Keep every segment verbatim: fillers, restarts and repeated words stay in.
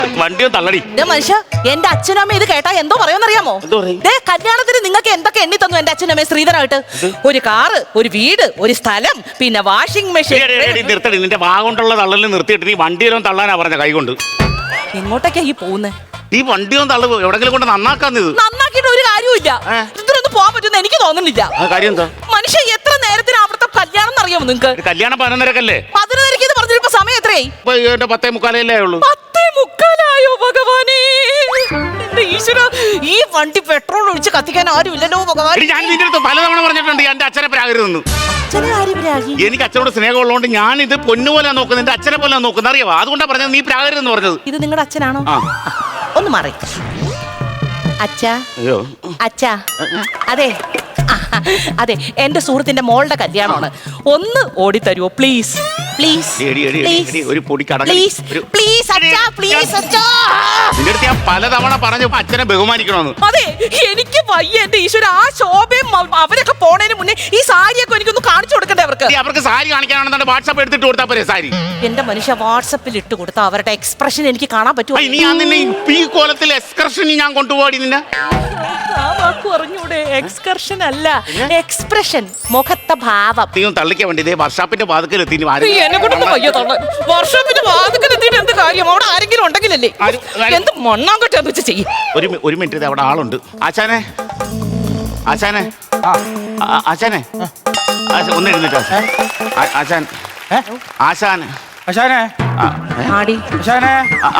വണ്ടിയും തള്ളടി. മനുഷ്യ, എന്റെ അച്ഛനും അമ്മ ഇത് കേട്ടാ എന്തോ പറയുമെന്നറിയാമോ? കല്യാണത്തിന് നിങ്ങൾക്ക് എന്തൊക്കെ എണ്ണി തന്നു എന്റെ അച്ഛനും അമ്മ ശ്രീധരായിട്ട്? ഒരു കാറ്, ഒരു വീട്, ഒരു സ്ഥലം, പിന്നെ വാഷിംഗ് മെഷീൻ. നിർത്തടി, നിന്റെ വാ കൊണ്ടുള്ള തള്ളലിൽ നിർത്തിയിട്ട് നീ വണ്ടിയിലും തള്ളാനാ പറഞ്ഞ കൈ കൊണ്ട്. എങ്ങോട്ടൊക്കെയാ ഈ പോകുന്നേ? ഈ വണ്ടിയും തള്ളു എവിടെങ്കിലും കൊണ്ട് നന്നാക്കാന്നത്. നന്നാക്കിയിട്ട് ഒരു കാര്യമില്ല. ഇതിനൊന്നും പോകാൻ പറ്റുന്ന എനിക്ക് തോന്നുന്നില്ല. കാര്യം എന്താ? മനുഷ്യ എത്ര നേരത്തിന് അവിടുത്തെ കല്യാണം എന്നറിയാമോ നിങ്ങൾക്ക്? കല്യാണം പതിനൊന്നരക്കല്ലേ? പതിനൊന്നരക്ക് ഇത് പറഞ്ഞിപ്പോ സമയം എത്രയായി? എന്റെ പത്തേ മുക്കാലല്ലേ ഉള്ളൂ. പത്തേ മുക്കാലായോ ഭഗവാനേ? എന്റെ ഈശ്വര, ഈ വണ്ടി പെട്രോൾ ഒഴിച്ച് കത്തിക്കാൻ ആരും ഇല്ലല്ലോ ഭഗവാൻ. ഞാൻ നിന്റെ അടുത്ത് പലതവണ പറഞ്ഞിട്ടുണ്ട് എന്റെ അച്ഛനെ പ്രാകരുതെന്ന്. എനിക്ക് അച്ഛനോട് സ്നേഹമുള്ളതുകൊണ്ട് ഞാൻ ഇത് പൊന്നുപോലെ നോക്കുന്നത്, എന്റെ അച്ഛനെ പോലെ നോക്കുന്നത് അറിയാവോ? അതുകൊണ്ടാ പറഞ്ഞത് നീ പ്രാകരുതെന്ന് പറഞ്ഞത്. ഇത് നിങ്ങളുടെ അച്ഛനാണോ? ഒന്ന് മാറി. അച്ഛാ, അച്ഛാ, അതെ അതെ, എന്റെ സുഹൃത്തിന്റെ മോളുടെ കല്യാണമാണ്. ഒന്ന് ഓടിത്തരുവോ പ്ലീസ്? പ്ലീസ് ഒരു പൊടി പ്ലീസ് പ്ലീസ് അച്ഛാ, പ്ലീസ് അച്ഛാ. നിന്റെ അടുത്ത് ഞാൻ പലതവണ പറഞ്ഞു അച്ഛനെ ബഹുമാനിക്കണമെന്ന്. അതെ, എനിക്ക് വയ്യ എന്റെ ഈശ്വര. ആ ശോഭയും അവരൊക്കെ പോണതിന് മുന്നേ ഈ സാരിയൊക്കെ എനിക്കൊന്ന് കാണിച്ചു കൊടുക്കണ്ടേ അവർക്ക്? അവർക്ക് സാരി കാണിക്കാനാണെന്നുണ്ട് വാട്സാപ്പ് എടുത്തിട്ട് കൊടുത്താൽ പോരെ സാരി? എന്റെ മനുഷ്യ, വാട്സാപ്പിൽ ഇട്ട് കൊടുത്താൽ അവരുടെ എക്സ്പ്രഷൻ എനിക്ക് കാണാൻ പറ്റുമോ? ഇനി ഞാൻ നിന്നെ ഈ കോലത്തിൽ എക്സ്കർഷൻ ഞാൻ കൊണ്ടുപോയി നിന്നെ. പറഞ്ഞൂടെ? എക്സ്കർഷൻ അല്ല, എക്സ്പ്രഷൻ, മുഖത്തെ ഭാവം. തള്ളിക്കാൻ വേണ്ടി ഇതേ വർഷാപ്പിന്റെ വാതിക്കലെത്തി. എന്നെ കൊണ്ടൊന്നും വയ്യ തള്ള. വർഷാപ്പിന്റെ വാതിക്കലെത്തിയിട്ട് എന്ത് കാര്യം? അവിടെ ആരെങ്കിലും ഉണ്ടെങ്കിലല്ലേ? എന്ത് മണ്ണാങ്കട്ടെ വെച്ച് ചെയ്യും. ഒരു ഒരു മിനിറ്റ്, അവിടെ ആളുണ്ട്. ആശാനെ, ആശാനെ, ആശാനെ, ഒന്ന് എഴുന്നിട്ട് ആശാൻ, ആശാൻ, ആശാനെ, ആശാനെ,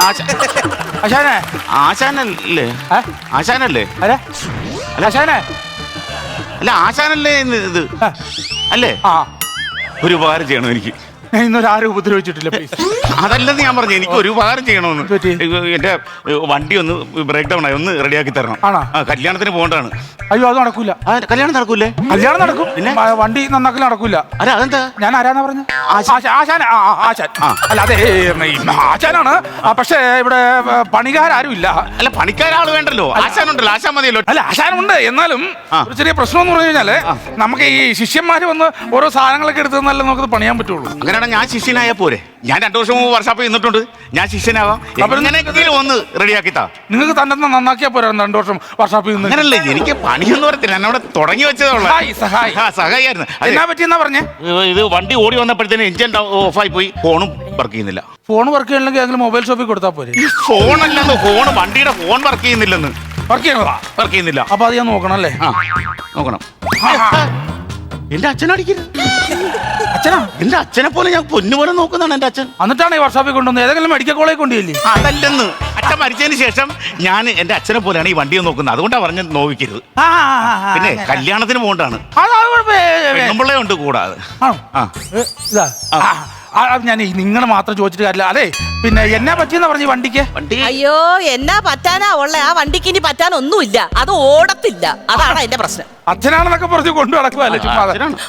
ആശാനെ, ആശാനല്ലേ? ആശാനല്ലേ? അല്ല ആശാനെ, അല്ല ആശാനല്ലേ ഇത്? അല്ലേ? ഒരു ഉപകാരം ചെയ്യണം എനിക്ക്. ഇന്നൊരാരും ഉപദ്രവിച്ചിട്ടില്ല. അതല്ലെന്ന് ഞാൻ പറഞ്ഞു, എനിക്ക് ഒരു ഉപകാരം ചെയ്യണമെന്ന്. എന്റെ വണ്ടി ഒന്ന് ബ്രേക്ക് ഡൗൺ ആയി, ഒന്ന് റെഡിയാക്കി തരണം. കല്യാണത്തിന് പോകേണ്ടതാണ്. അയ്യോ, അത് നടക്കൂല. കല്യാണം നടക്കൂലേ? കല്യാണം നടക്കും, പിന്നെ വണ്ടി നന്നാക്കൽ നടക്കൂല. അല്ല അതെന്താ? ഞാൻ ആരാന്നാ പറഞ്ഞു? ആശാൻ. ആശാൻ അല്ല, അതെ ആശാനാണ്. പക്ഷേ ഇവിടെ പണിക്കാരും ഇല്ല. അല്ല, പണിക്കാരാള് വേണ്ടല്ലോ, ആശാനുണ്ടല്ലോ. ആശാൻ മതിയല്ലോ. അല്ല, ആശാനുണ്ട്. എന്നാലും ഒരു ചെറിയ പ്രശ്നം എന്ന് പറഞ്ഞു കഴിഞ്ഞാല് നമുക്ക് ഈ ശിഷ്യന്മാര് വന്ന് ഓരോ സാധനങ്ങളൊക്കെ എടുത്ത് തന്നാലേ നമുക്ക് പണിയാൻ പറ്റുള്ളൂ. അങ്ങനെയാണ് ഞാൻ ശിഷ്യനായ പോരെ? ഞാൻ രണ്ടു വർഷം മുമ്പ് വർഷാപ്പ് നിന്നിട്ടുണ്ട്. ഞാൻ ശിഷ്യനാവാം. ഒന്ന് റെഡിയാക്കി താ. നിങ്ങൾക്ക് തന്നെ നന്നാക്കിയാ പോരാ? രണ്ടു വർഷം വർഷാപ്പ് നിന്ന്. അങ്ങനല്ലേ, എനിക്ക് പണിയൊന്നും പറയത്തില്ല. എന്നവിടെ തുടങ്ങി വെച്ചതുള്ള സഹായിയായിരുന്നു. എന്നാ പറ്റിയെന്നാ പറഞ്ഞേ? ഇത് വണ്ടി ഓടി വന്നപ്പോഴത്തേന് എഞ്ചിൻ ഓഫായി പോയി, ഫോണും വർക്ക് ചെയ്യുന്നില്ല. ഫോൺ വർക്ക് ചെയ്യണമെങ്കിൽ അതിൽ മൊബൈൽ ഷോപ്പിൽ കൊടുത്താൽ പോരെ? ഫോണല്ലെന്ന്, ഫോൺ വണ്ടിയുടെ ഫോൺ വർക്ക് ചെയ്യുന്നില്ലെന്ന്. വർക്ക് ചെയ്യണതാ? വർക്ക് ചെയ്യുന്നില്ല. അപ്പൊ അത് ഞാൻ നോക്കണം അല്ലേ? ആ നോക്കണം. എന്റെ അച്ഛനടിക്കരുത്. അച്ഛനാ? എന്റെ അച്ഛനെ പോലെ ഞാൻ പൊന്നുപോലെ നോക്കുന്നതാണ് എന്റെ അച്ഛൻ. എന്നിട്ടാണ് ഈ വർഷാപ്പിൽ കൊണ്ടുവന്നത്? ഏതെങ്കിലും മെഡിക്കൽ കോളേജ് കൊണ്ടുപോയില്ലേ? അതല്ലെന്ന്, അച്ഛൻ മരിച്ചതിന് ശേഷം ഞാൻ എന്റെ അച്ഛനെ പോലെയാണ് ഈ വണ്ടിയെ നോക്കുന്നത്. അതുകൊണ്ടാണ് പറഞ്ഞ് നോവിക്കരുത്. പിന്നെ കല്യാണത്തിന് പോകണ്ടാണ്. പെണ്ണുമ്പിള്ളേ ഉണ്ട് കൂടാതെ. ഞാൻ നിങ്ങളെ മാത്രം ചോദിച്ചിട്ട് കാര്യമില്ല. അതെ, പിന്നെ എന്നാ പറ്റിയെന്നാ പറഞ്ഞു വണ്ടിക്ക്? അയ്യോ, എന്നാ പറ്റാനാ ഉള്ള? ആ വണ്ടിക്ക് ഇനി പറ്റാനൊന്നുമില്ല, അത് ഓടത്തില്ല. അതാണ് അതിന്റെ പ്രശ്നം. അച്ഛനാണെന്നൊക്കെ പറഞ്ഞു കൊണ്ടു നടക്കുവല്ലേ ചുമ്മാ.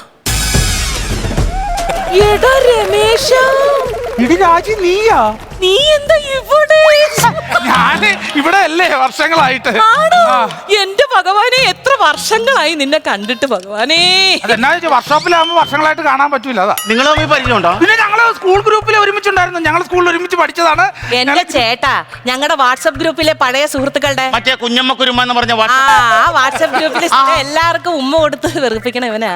രമേശ, ഇടി രാജി, നീയാ? നീ എന്താ ഇവിടെ? ഞാന് ഇവിടെ അല്ലേ വർഷങ്ങളായിട്ട്. എന്റെ ഭഗവാനെ, എത്ര വർഷങ്ങളായി നിന്നെ കണ്ടിട്ട് ഭഗവാനേ. അതെന്നാ വർഷോപ്പിലാകുമ്പോ വർഷങ്ങളായിട്ട് കാണാൻ പറ്റൂല. അതാ. നിങ്ങൾ പരിചയമുണ്ടോ? പിന്നെ ഞങ്ങള് സ്കൂൾ ഗ്രൂപ്പിൽ ഒരുമിച്ചുണ്ടായിരുന്നു. ഞങ്ങൾ സ്കൂളിൽ ഒരുമിച്ച് പഠിച്ചതാണ്. എന്റെ ചേട്ടാ, ഞങ്ങളുടെ വാട്സ്ആപ്പ് ഗ്രൂപ്പിലെ പഴയ സുഹൃത്തുക്കളുടെ മറ്റേ കുഞ്ഞമ്മ കുരുമ എന്ന് പറഞ്ഞ ആ വാട്സ്ആപ്പ് ഗ്രൂപ്പിൽ എല്ലാവർക്കും ഉമ്മ കൊടുത്ത് വെറുപ്പിക്കണ ഇവനാ.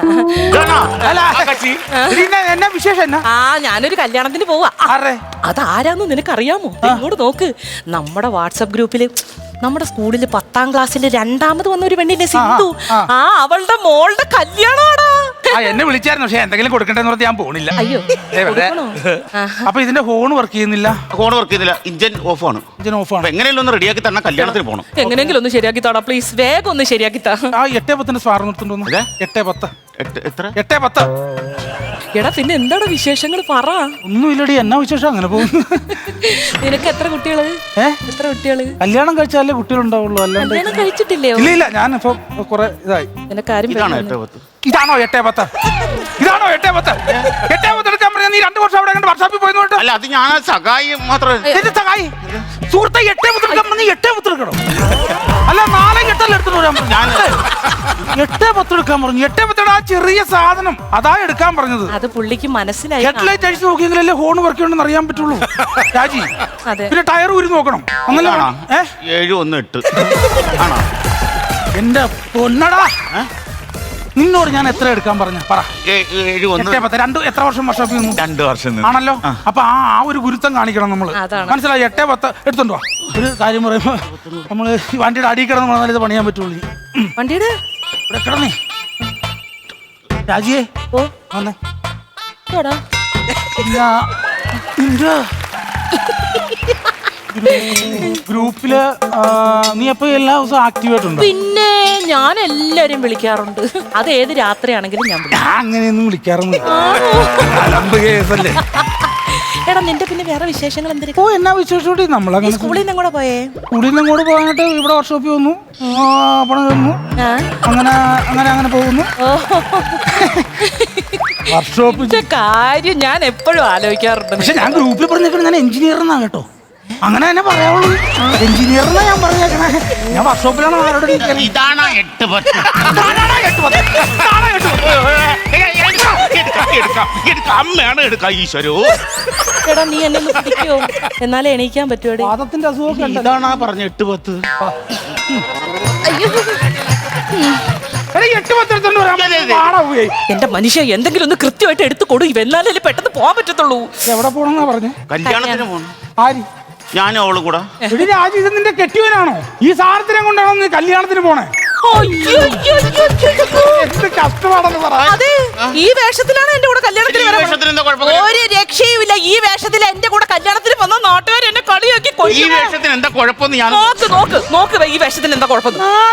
എന്നാ വിശേഷം എന്നാ? ആ, ഞാനൊരു കല്യാണത്തിന് പോവാ. അതാരാന്ന് നിനക്കറിയാമോ? ഇങ്ങോട്ട് നോക്ക്. നമ്മുടെ വാട്സ്ആപ്പ് ഗ്രൂപ്പില് നമ്മുടെ സ്കൂളില് പത്താം ക്ലാസ്സിൽ രണ്ടാമത് വന്ന ഒരു പെണ്ണിന്റെ സിന്ധു, ആ അവളുടെ മോളുടെ കല്യാണമാടാ. എന്നെ വിളിച്ചായിരുന്നു, പക്ഷെ എന്തെങ്കിലും കൊടുക്കണ്ടെന്ന് പറഞ്ഞ് ഞാൻ പോണില്ല. അയ്യോ, അപ്പൊ ഇതിന്റെ ഫോൺ വർക്ക് ചെയ്യുന്നില്ല. ഫോൺ വർക്ക് ചെയ്യുന്നില്ല, ഇഞ്ചിൻ ഓഫ് ആണ്. ഇഞ്ചിൻ ഓഫ് ആണ്. എങ്ങനെയല്ലോ ഒന്ന് റെഡിയാക്കി തരണം, കല്യാണത്തിന് പോകണം. എങ്ങനെയെങ്കിലും ഒന്ന് ശരിയാക്കി താടാ പ്ലീസ്, വേഗം ഒന്ന് ശരിയാക്കി താ. ആ എട്ടേ പത്തിന്റെ സ്വാർ നിർത്തുണ്ടോ? എട്ടേ പത്ത്. എത്ര? എട്ടേ പത്ത്. എടാ, പിന്നെ എന്താണ് വിശേഷങ്ങൾ പറ. ഒന്നുമില്ലടി, എന്നാ വിശേഷം? അങ്ങനെ പോകുന്നു. നിനക്ക് എത്ര കുട്ടികള്? എത്ര കുട്ടികള്? കല്യാണം കഴിച്ചാലേ കുട്ടികളുണ്ടാവുള്ളൂ, അല്ലാണ്ട് കല്യാണം കഴിച്ചിട്ടില്ലേ? ഇല്ല ഇല്ല, ഞാൻ ഇപ്പൊ കുറെ ഇതായി. നിനക്കാരും ഇതാണോ എട്ടേ പത്ത്? ഇതാണോ എട്ടേ പത്ത്? എട്ടേ പത്ത് എടുക്കാൻ പറഞ്ഞ നീ രണ്ടു വർഷം അവിടെ വർഷാപ്പിൽ പോയിട്ട്. അല്ല, അത് ഞാൻ സഹായി മാത്രം. സഹായി സുഹൃത്തെ, എട്ടേ പത്ത് എടുക്കാൻ പറഞ്ഞ എട്ടേ പത്ത് എടുക്കണം. അല്ല, നാളെ എട്ട് പത്തല്ല എടുത്തിട്ട് വരാൻ പറഞ്ഞു. ഞാൻ എട്ടേ പത്ത് എടുക്കാൻ പറഞ്ഞു. എട്ടേ പത്തോടെ ആ ചെറിയ സാധനം അതാ എടുക്കാൻ പറഞ്ഞത്. അത് പുള്ളിക്ക് മനസ്സിലായി. ഹെഡ്ലൈറ്റ് അഴിച്ച് നോക്കിയെങ്കിലല്ലേ ഹോൺ വർക്ക് ഉണ്ടെന്ന് അറിയാൻ പറ്റുള്ളൂ രാജി. അതെ. പിന്നെ ടയർ ഊരി നോക്കണം. ഒന്നല്ല ഏ ഏഴ് ഒന്ന് എട്ട് ആണോ? എന്റെ പൊന്നടാ, നിന്നോട് ഞാൻ എത്ര എടുക്കാൻ പറഞ്ഞ പറ. ഏ- ഏഴ് ഒന്ന് എട്ടേ പത്ത്. രണ്ട് എത്ര വർഷം വർഷോപ്പിൽ നിന്നു? രണ്ട് വർഷം നിന്ന്. ആണല്ലോ. അപ്പൊ ആ ആ ഒരു ഗുരുത്തം കാണിക്കണം നമ്മള്. അതാണ്. മനസ്സിലായി? എട്ടേ പത്ത് എടുത്തോണ്ടോ. ഒരു കാര്യം പറയുമ്പോ നമ്മള് ഈ വണ്ടിയുടെ അടിയിൽ കിടന്ന് പറഞ്ഞാൽ ഇത് പണിയാൻ പറ്റുള്ളൂ. വണ്ടിയുടെ ഇവിടെ കിടന്നേ രാജിയെ. ഓ വന്നേ. എടാ, ഇല്ല, നിന്റെ ഗ്രൂ- ഗ്രൂപ്പില് ആ, നീ എപ്പോ എല്ലാ ദിവസവും ആക്റ്റീവ് ആയിട്ടുണ്ടോ? പിന്നെ ഞാൻ എല്ലാരും വിളിക്കാറുണ്ട്. അത് ഏത് രാത്രിയാണെങ്കിലും ഞാൻ വിളിക്കും. ഞാൻ അങ്ങനെയൊന്നും വിളിക്കാറൊന്നും. അലമ്പ് കേസല്ലേ. എടാ, നിന്റെ പിന്നെ വേറെ വിശേഷങ്ങൾ ഓ എന്തിനാ? എന്നാ വിശേഷം ഈ നമ്മളങ്ങനെ സ്കൂളിൽ നിന്ന് കൂടെ പോയേ? സ്കൂളിൽ നിന്ന് ഇങ്ങോട്ട് പോകാനായിട്ട് ഇവിടെ വർക്ക്ഷോപ്പിൽ വന്നു. ആ, പണം തന്നു. ആ? അങ്ങനെ അങ്ങനെ അങ്ങനെ പോകുന്നു. ഓ, വർക്ക്ഷോപ്പ്. ഇതിന്റെ കാര്യം ഞാൻ എപ്പോഴും ആലോചിക്കാറുണ്ട്. പക്ഷെ ഞാൻ ഗ്രൂപ്പിൽ പറഞ്ഞേക്കണേ ഞാൻ എഞ്ചിനീയർ എന്നാ കേട്ടോ. അങ്ങനെ തന്നെ പറയാവുള്ളൂ. എഞ്ചിനീയർ എന്നാ ഞാൻ പറഞ്ഞേക്കണേ. ഞാൻ വർക്ക്ഷോപ്പിലാണ് ആരോട് ഇരിക്കുന്നത്. ഇതാണ് എട്ട് പത്ത്. ഇതാണാ എട്ട് പത്ത്. ഇതാണാ എട്ട് പത്ത്. എടുക്കാം, എടുക്കാം, എടുക്കാം. അമ്മയാണ് എടുക്കാം. ഈശ്വരോ, എടാ, നീ എന്നെ ഒന്ന് പിടിക്കോ? എന്നാലേ എണീക്കാൻ പറ്റുമോ? വാദത്തിന്റെ അസുഖമൊക്കെ ഉണ്ട്. ഇതാണാ പറഞ്ഞ എട്ട് പത്ത്. അയ്യോ, എടാ, ഈ എട്ട് പത്ത് എടുത്തോണ്ട് വരാൻ അതെ, അതെ. പാടാ പോയി. എന്റെ മനുഷ്യ എന്തെങ്കിലും ഒന്ന് കൃത്യമായിട്ട് എടുത്തു കൊടു. എന്നാലേ പെട്ടെന്ന് പോകാൻ പറ്റത്തുള്ളൂ. എവിടെ പോണെന്നാ പറഞ്ഞേ? കല്യാണത്തിന് പോണം. ആര്? ഞാനും അവളും കൂടെ. എടി രാജി, ഇത് നിന്റെ കെട്ടിയവനാണോ? ഈ സാധനത്തിനെ കൊണ്ടാണോ നീ കല്യാണത്തിന് പോണേ? അയ്യോ, അയ്യോ, അയ്യോ, അയ്യോ. എന്ത് കഷ്ടമാണെന്ന് പറ. അതെ, ഈ വേഷത്തിലാണ് എന്റെ കൂടെ കല്യാണത്തിന് ഈ വരാൻ വേഷത്തിന് എന്താ കുഴപ്പം? ഒരു രക്ഷയുമില്ല. ഈ വേഷത്തിൽ എന്റെ കൂടെ കല്യാണത്തിന് വന്ന നാട്ടുകാർ എന്നെ കളിയാക്കി ഈ കൊല്ലും. വേഷത്തിന് എന്താ കുഴപ്പമെന്ന് ഞാൻ നോക്ക് നോക്ക് നോക്ക്, ഈ വേഷത്തിന് എന്താ കുഴപ്പം?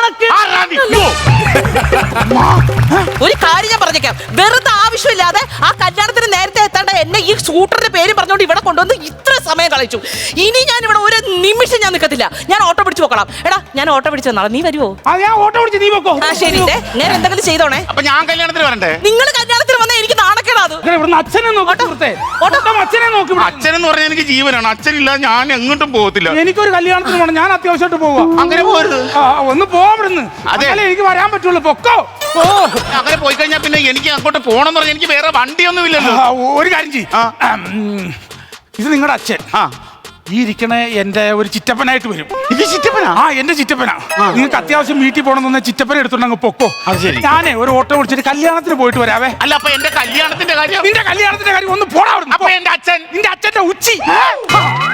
ഒരു കാര്യം ഞാൻ പറഞ്ഞേക്കാം. വെറുതെ ആവശ്യമില്ലാതെ ആ കല്യാണത്തിന് നേരത്തെ എത്താണ്ട് എന്നെ ഈ സൂട്ടറിന്റെ പേര് പറഞ്ഞുകൊണ്ട് ഇവിടെ കൊണ്ടുവന്ന് ഇത്ര സമയം കളിച്ചു. ഇനി ഞാൻ ഇവിടെ ഒരു നിമിഷം ഞാൻ നിൽക്കത്തില്ല. ഞാൻ ഓട്ടോ പിടിച്ചു പോക്കണം. എടാ, ഞാൻ ഓട്ടോ പിടിച്ചു തന്നാളെ. നീ വരുവോ? ആ, ഞാൻ ഓട്ടോ പിടിച്ച് നീ വെക്കോ. ആ ശരി, ദേ, ഞാൻ എന്തെങ്കിലും ചെയ്തോണേ. അപ്പൊ ഞാൻ കല്യാണത്തിന് വരണ്ടേ? നിങ്ങൾ കല്യാണത്തിന് വന്നാൽ എനിക്ക് നാണക്കേടാ അത്. ഇവിടുന്ന് അച്ഛനെ നോക്കി ഓട്ടോ. സുഹൃത്തേ. ഓട്ടോ. ഓട്ടോ അച്ഛനെ നോക്കി ഇവിടെ. അച്ഛനെന്ന് പറഞ്ഞാൽ എനിക്ക് ജീവനാണ്. അച്ഛനില്ല ഞാൻ എങ്ങോട്ടും പോകത്തില്ല. എനിക്കൊരു കല്യാണത്തിന് പോകണം. ഞാൻ അത്യാവശ്യമായിട്ട് പോവാ. അങ്ങനെ പോരുത്. ആ, ഒന്ന് പോവിടുന്ന്. അതെ. അതല്ലേ എനിക്ക് വരാൻ പറ്റുള്ളൂ. പൊക്കോ. ഓ, അങ്ങനെ പോയി കഴിഞ്ഞാൽ പിന്നെ എനിക്ക് അങ്ങോട്ട് പോകണം പറഞ്ഞാൽ എനിക്ക് വേറെ വണ്ടിയൊന്നും ഇല്ലല്ലോ. ആ, ഒരു കാര്യം ചെയ്യ്. ആ. ഉം, ഇത് നിങ്ങളുടെ അച്ഛൻ. ആ, ഈ ഇരിക്കണ എന്റെ ഒരു ചിറ്റപ്പനായിട്ട് വരും. ഇത് ചിറ്റപ്പനാ? ആ, എന്റെ ചിറ്റപ്പനാ. നിങ്ങൾക്ക് അത്യാവശ്യം വീട്ടിൽ പോകണമെന്ന് ചിറ്റപ്പനെ എടുത്തോണ്ട് പൊക്കോ. അത് ശരി. ഞാനേ ഒരു ഓട്ടോ വിളിച്ചിട്ട് കല്യാണത്തിന് പോയിട്ട് വരാവേ. അല്ല, അപ്പൊ എന്റെ കല്യാണത്തിന്റെ കാര്യം? നിന്റെ കല്യാണത്തിന്റെ കാര്യം ഒന്ന് പോടാ. അപ്പൊ എന്റെ അച്ഛൻ? നിന്റെ അച്ഛന്റെ ഉച്ചി.